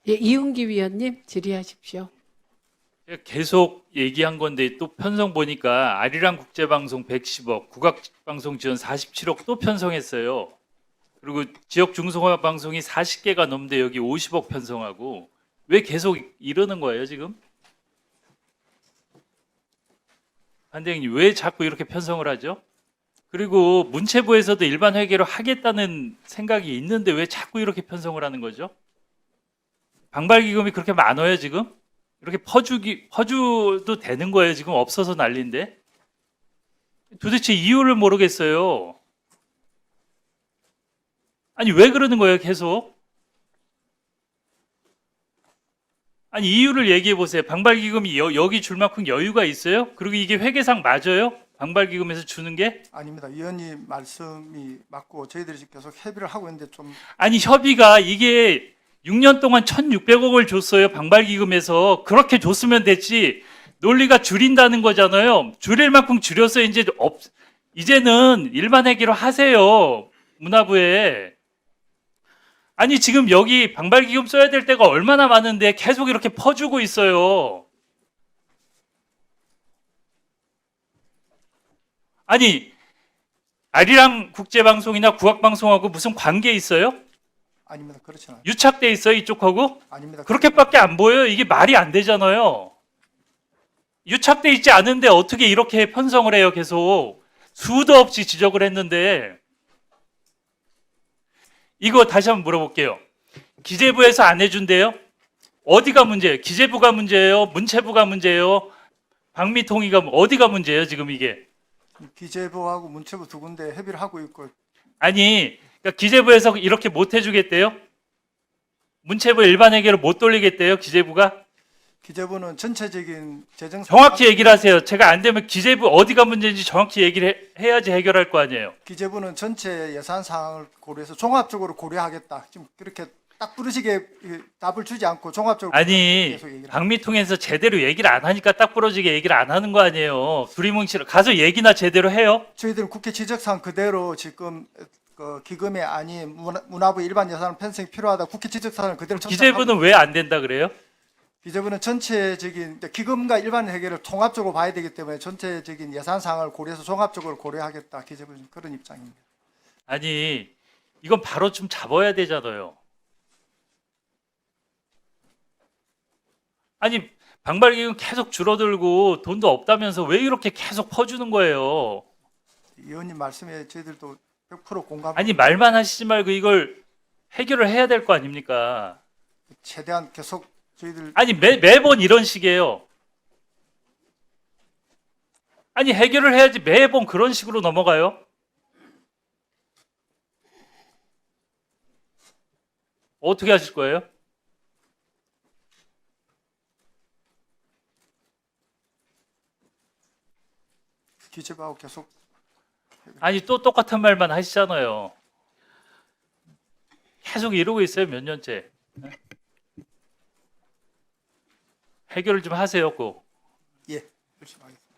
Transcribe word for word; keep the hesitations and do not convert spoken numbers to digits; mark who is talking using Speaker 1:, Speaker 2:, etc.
Speaker 1: 예, 이은기 위원님 질의하십시오.
Speaker 2: 계속 얘기한 건데 또 편성 보니까 아리랑 국제방송 백십억, 국악방송 지원 사십칠억 또 편성했어요. 그리고 지역 중소화 방송이 사십 개가 넘는데 여기 오십억 편성하고 왜 계속 이러는 거예요 지금? 반대행님 왜 자꾸 이렇게 편성을 하죠? 그리고 문체부에서도 일반 회계로 하겠다는 생각이 있는데 왜 자꾸 이렇게 편성을 하는 거죠? 방발기금이 그렇게 많아요 지금? 이렇게 퍼주기 퍼주도 되는 거예요 지금 없어서 난리인데 도대체 이유를 모르겠어요. 아니 왜 그러는 거예요 계속? 아니 이유를 얘기해 보세요. 방발기금이 여, 여기 줄 만큼 여유가 있어요? 그리고 이게 회계상 맞아요? 방발기금에서 주는 게?
Speaker 3: 아닙니다. 위원님 말씀이 맞고 저희들이 계속 협의를 하고 있는데 좀
Speaker 2: 아니 협의가 이게 육 년 동안 천육백억을 줬어요 방발기금에서. 그렇게 줬으면 됐지 논리가 줄인다는 거잖아요. 줄일 만큼 줄여서 이제 없, 이제는 일반 회계로 하세요 문화부에. 아니 지금 여기 방발기금 써야 될 때가 얼마나 많은데 계속 이렇게 퍼주고 있어요. 아니 아리랑 국제방송이나 국악방송하고 무슨 관계 있어요?
Speaker 3: 아닙니다. 그렇지 않아요.
Speaker 2: 유착돼 있어요 이쪽하고?
Speaker 3: 아닙니다.
Speaker 2: 그렇게밖에 안 보여요. 이게 말이 안 되잖아요. 유착돼 있지 않은데 어떻게 이렇게 편성을 해요 계속. 수도 없이 지적을 했는데. 이거 다시 한번 물어볼게요. 기재부에서 안 해준대요? 어디가 문제예요? 기재부가 문제예요? 문체부가 문제예요? 방미통위가 어디가 문제예요 지금 이게?
Speaker 3: 기재부하고 문체부 두 군데 협의를 하고 있고
Speaker 2: 아니 그러니까 기재부에서 이렇게 못 해주겠대요? 문체부 일반 회계로 못 돌리겠대요 기재부가?
Speaker 3: 기재부는 전체적인 재정
Speaker 2: 정확히 얘기를 하세요. 제가 안 되면 기재부 어디가 문제인지 정확히 얘기를 해, 해야지 해결할 거 아니에요.
Speaker 3: 기재부는 전체 예산 사항을 고려해서 종합적으로 고려하겠다. 지금 그렇게 딱 부르시게 답을 주지 않고 종합적으로
Speaker 2: 아니
Speaker 3: 계속 얘기를
Speaker 2: 방미통에서 제대로 얘기를 안 하니까 딱 부러지게 얘기를 안 하는 거 아니에요. 두리뭉실 가서 얘기나 제대로 해요.
Speaker 3: 저희들은 국회 지적사항 그대로 지금 그 기금이 아닌 문화- 문화부 일반 예산 편성이 필요하다. 국회 지적사항을 그대로 전달하고
Speaker 2: 기재부는 왜 안 된다 그래요?
Speaker 3: 기재부는 전체적인 기금과 일반 회계를 통합적으로 봐야 되기 때문에 전체적인 예산 사항을 고려해서 종합적으로 고려하겠다. 기재부는 그런 입장입니다.
Speaker 2: 아니 이건 바로 좀 잡아야 되잖아요. 아니 방발기금 계속 줄어들고 돈도 없다면서 왜 이렇게 계속 퍼주는 거예요?
Speaker 3: 의원님 말씀에 저희들도 백 퍼센트 공감.
Speaker 2: 아니 말만 하시지 말고 이걸 해결을 해야 될 거 아닙니까?
Speaker 3: 최대한 계속 저희들
Speaker 2: 아니 매, 매번 이런 식이에요. 아니 해결을 해야지 매번 그런 식으로 넘어가요? 어떻게 하실 거예요?
Speaker 3: 기재부하고 계속
Speaker 2: 아니 또 똑같은 말만 하시잖아요. 계속 이러고 있어요 몇 년째. 해결을 좀 하세요 꼭.
Speaker 3: 예 열심히 하겠습니다.